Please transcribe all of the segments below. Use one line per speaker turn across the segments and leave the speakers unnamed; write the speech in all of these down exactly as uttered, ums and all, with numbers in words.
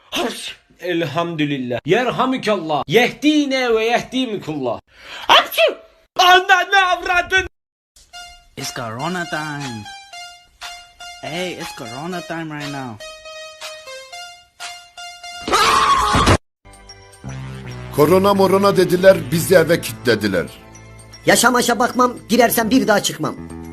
Elhamdülillah. Yerhamükallah. Yehdine ve yehdimikullah. Hapşu! Ananı avradın!
It's Corona time. Hey, it's Corona time right now.
Korona morona dediler, bizi eve kilitlediler.
Yaşamaşa bakmam, girersem bir daha çıkmam.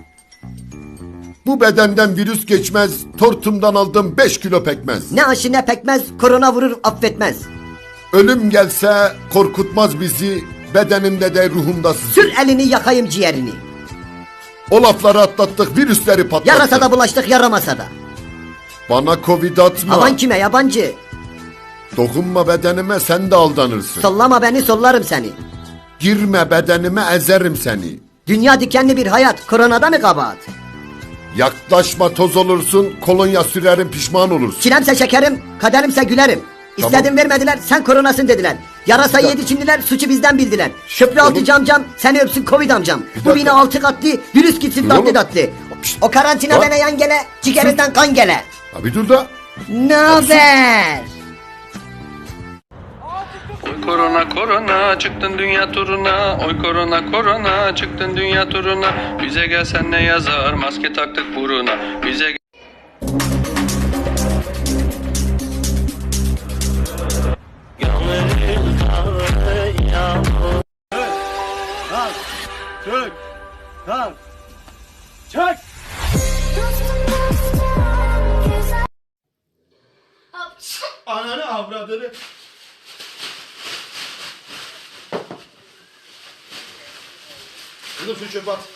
Bu bedenden virüs geçmez, tortumdan aldım beş kilo pekmez.
Ne aşı ne pekmez, korona vurur affetmez.
Ölüm gelse korkutmaz bizi, bedenimde de ruhumda sızı.
Sür elini yakayım ciğerini.
O lafları atlattık, virüsleri patlattık.
Yarasa da bulaştık, yaramasa da.
Bana covid atma.
Aman kime yabancı.
Dokunma bedenime, sen de aldanırsın.
Sollama beni, sollarım seni.
Girme bedenime, ezerim seni.
Dünya dikenli bir hayat, koronada mı kabahat?
Yaklaşma, toz olursun, kolonya sürerim, pişman olursun.
Çilemse şekerim, kaderimse gülerim.
Tamam.
İstedim vermediler, sen koronasın dediler. Yarasa
Bir
yedi Çinliler, suçu bizden bildiler. Köprü altı
Oğlum.
camcam, seni öpsün Covid amcam. Bu
dakika.
bina altı katlı, virüs gitsin
Dur
tatlı
oğlum.
tatlı. O karantina
Bak.
bana yan gele, ciğerinden kan gele.
Ha bir dur da.
Ne haber?
Oy korona korona çıktın dünya turuna. Oy korona korona çıktın dünya turuna. Bize gelsen ne yazar, maske taktık buruna. Bize gel-
Ananı avradını. Kızım şu çöpe at.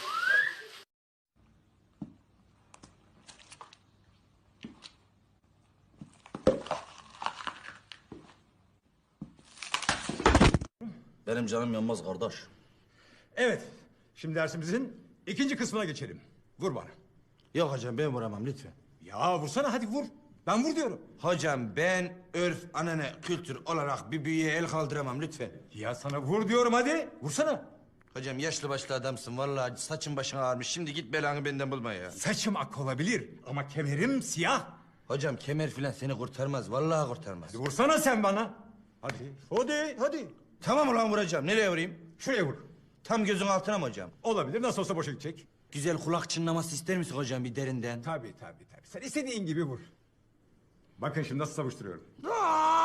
Benim canım yanmaz kardeş.
Evet. Şimdi dersimizin ikinci kısmına geçelim. Vur bana.
Yok hocam ben vuramam lütfen.
Ya vursana hadi vur. Ben vur diyorum.
Hocam ben örf, anane, kültür olarak bir büyüye el kaldıramam lütfen.
Ya sana vur diyorum hadi. Vursana.
Hocam yaşlı başlı adamsın vallahi saçın başın ağarmış. Şimdi git belanı benden bulma ya.
Saçım ak olabilir ama kemerim siyah.
Hocam kemer filan seni kurtarmaz vallahi kurtarmaz.
Hadi vursana sen bana. Hadi. Hadi hadi.
Tamam ulan vuracağım. Nereye vurayım?
Şuraya vur.
Tam gözün altına mı hocam?
Olabilir nasıl olsa boşa gidecek.
Güzel kulak çınlaması ister misin hocam bir derinden?
Tabii tabii tabii. Sen istediğin gibi vur. Bakın şimdi nasıl savuşturuyorum.
Aa!